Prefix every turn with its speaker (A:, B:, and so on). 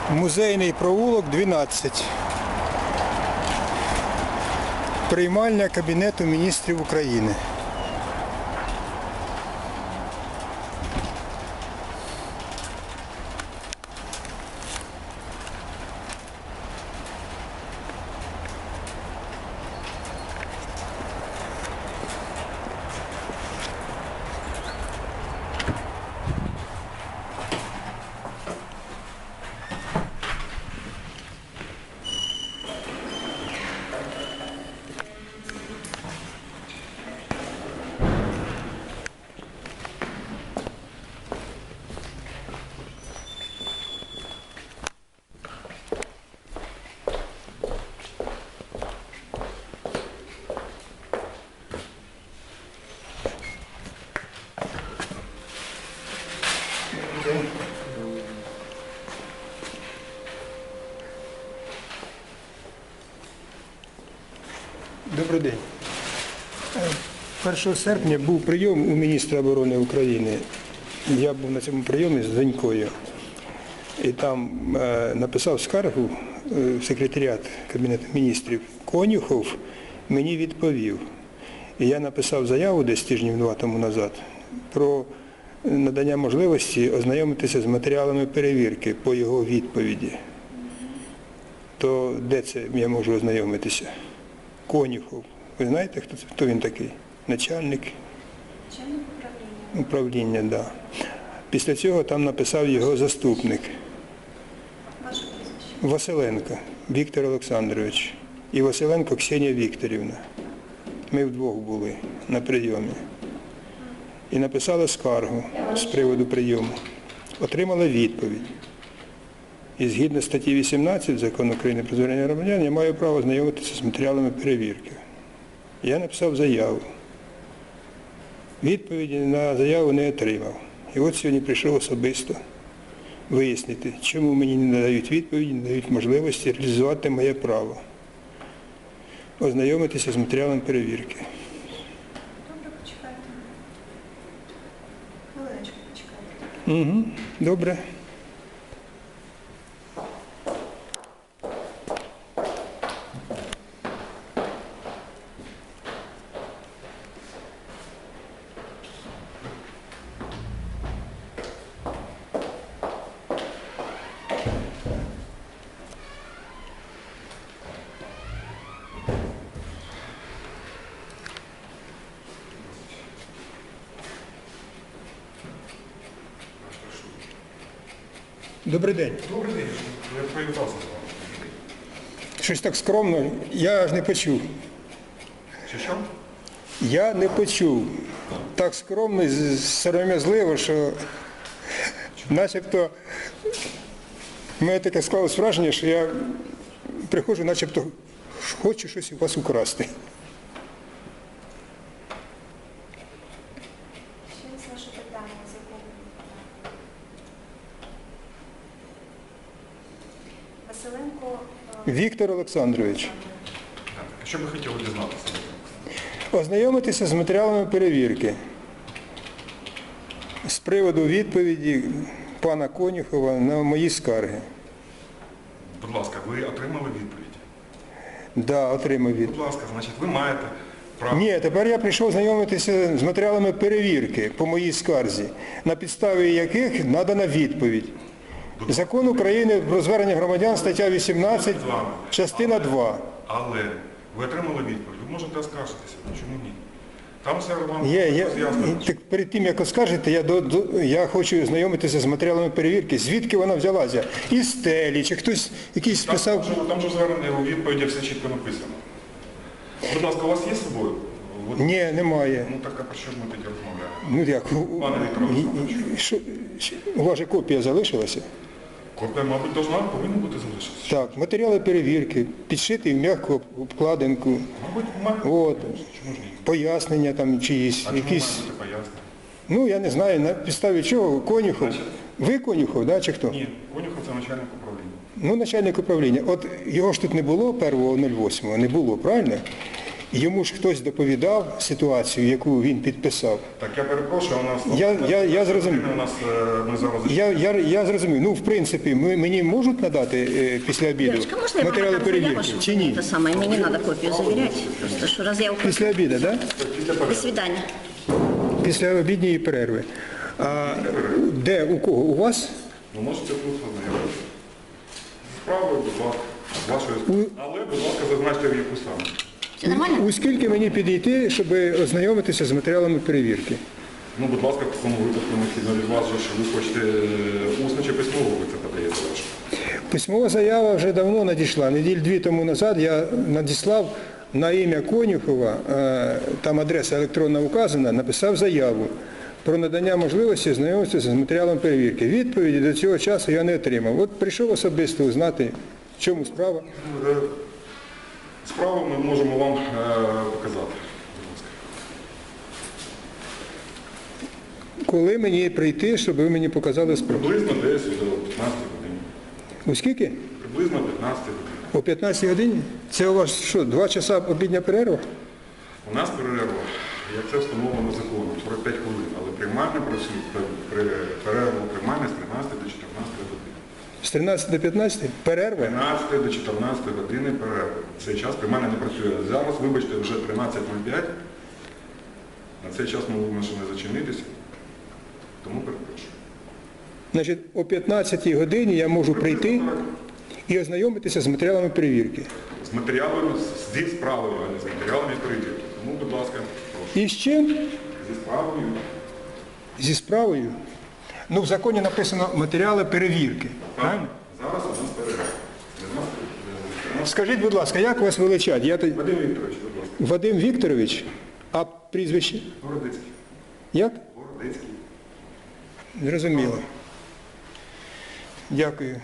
A: Музейний провулок, 12. Приймальня Кабінету міністрів України. Добрий день. 1 серпня був прийом у міністра оборони України. Я був на цьому прийомі з донькою. І там написав скаргу в секретаріат Кабінету міністрів. Конюхов мені відповів. І я написав заяву десь тижнів 2 тому назад про надання можливості ознайомитися з матеріалами перевірки по його відповіді. То де це я можу ознайомитися? Конюхов. Ви знаєте, хто він такий? Начальник управління, так. Да. Після цього там написав його заступник.
B: Ваше прізвище?
A: Василенко Віктор Олександрович і Василенко Ксенія Вікторівна. Ми вдвох були на прийомі. І написали скаргу з приводу прийому. Отримали відповідь. І згідно статті 18 Закону України про звернення громадян, я маю право знайомитися з матеріалами перевірки. Я написав заяву. Відповіді на заяву не отримав. І от сьогодні прийшов особисто вияснити, чому мені не надають відповіді, не дають можливості реалізувати моє право. Ознайомитися з матеріалами перевірки.
B: Добре, почекайте. Хвилиночку почекайте.
A: Угу, добре. Добрий день.
C: Добрий день. Я привітався з вами.
A: Щось так скромно, я аж не почув.
C: Що?
A: Я не почув. Так скромно і сором'язливо, що начебто в мене таке склалось враження, що я приходжу, начебто хочу щось у вас украсти.
B: Ще раз ваше питання, з якого ви? Василенко.
A: Віктор Олександрович,
C: Так, а що ви хотіли дізнатися?
A: ознайомитися з матеріалами перевірки з приводу відповіді пана Конюхова на мої скарги.
C: Будь ласка, ви отримали відповідь?
A: Да, отримав відповідь.
C: Будь ласка, значить, ви маєте право.
A: Ні, тепер я прийшов знайомитися з матеріалами перевірки по моїй скарзі, на підставі яких надана відповідь. Закон України про звернення громадян, стаття 18, частина 2.
C: Але ви отримали відповідь, ви можете оскаржитися. Чому ні? Там все вам роз'яснено.
A: Так перед тим, як оскаржити, я хочу знайомитися з матеріалами перевірки. Звідки вона взялася? Із стелі, чи хтось якийсь писав?
C: Там же звернення у відповіді все чітко написано. Будь ласка, у вас є з собою?
A: Ні, немає.
C: Ну так, а про що ж ми тоді розмовляємо?
A: Ну як?
C: Пане Віктор Олександрович.
A: У вас же копія залишилася?
C: Копія, мабуть, повинна бути залишитися.
A: Так, матеріали перевірки, підшити в м'яку обкладинку.
C: Мабуть,
A: От,
C: чому ж ні?
A: пояснення там чиїсь,
C: А чому
A: якісь.
C: має бути пояснення?
A: Ну, я не знаю, на підставі чого, Конюхов. Ви Конюхов, да, чи хто?
C: Ні, Конюхов – це начальник управління.
A: Ну, начальник управління. От його ж тут не було 1.08, не було, правильно? Йому ж хтось доповідав ситуацію, яку він підписав.
C: Так, я перепрошую, у нас...
A: Я зрозумів.
C: У нас, ми зараз...
A: Я зрозумів. Ну, в принципі, мені можуть надати після обіду
D: Девочка, можно я
A: матеріали
D: вам отдам заяву,
A: перевірки?
D: чтобы
A: Чи ні?
D: это самое, мне не надо копию заверять, просто что раз я ухожу.
A: Після обіду, так?
D: До свидания.
A: Після обідньої перерви. А де, у кого? У вас?
C: Ви можете тут ознайомитися. Справою, будь ласка, вашої... Але, будь ласка, зазначте в яку саме.
D: Все нормально?
A: У скільки мені підійти, щоб ознайомитися з матеріалами перевірки?
C: Ну, будь ласка, в такому випадку необхідно від вас, що ви хочете усно чи письмово, ви це подаєте ваше.
A: Письмова заява вже давно надійшла. Неділь 2 тому назад я надіслав на ім'я Конюхова, там адреса електронна указана, написав заяву про надання можливості знайомитися з матеріалом перевірки. Відповіді до цього часу я не отримав. От прийшов особисто узнати, в чому справа.
C: Справу ми можемо вам показати.
A: Коли мені прийти, щоб ви мені показали справу?
C: Приблизно десь до 15 годин.
A: У скільки?
C: Приблизно 15 годин.
A: О 15 годині? Це у вас що, 2 часа обідня перерва?
C: У нас перерва, як це встановлено законом, 45 хвилин, але приймальна перерва приймальна з 13 до 14 години.
A: З 13 до 15? Перерва?
C: 13 до 14 години перерви. Цей час приймальна не працює. Зараз, вибачте, вже 13:05. На цей час ми вимушені зачинитися. Тому перепрошую.
A: Значить, о 15 годині я можу прийти і ознайомитися з матеріалами перевірки.
C: З матеріалами, зі справою, а не з матеріалами перевірки. Тому, будь ласка, прошу.
A: І з чим?
C: Зі справою.
A: Зі справою. Ну, в законі написано матеріали перевірки. Правильно?
C: Зараз у нас перерва.
A: Скажіть, будь ласка, як вас величать?
C: Вадим Вікторович, будь ласка.
A: Вадим Вікторович, а прізвище?
C: Городицький.
A: Як?
C: Городицький.
A: Зрозуміло. Дякую.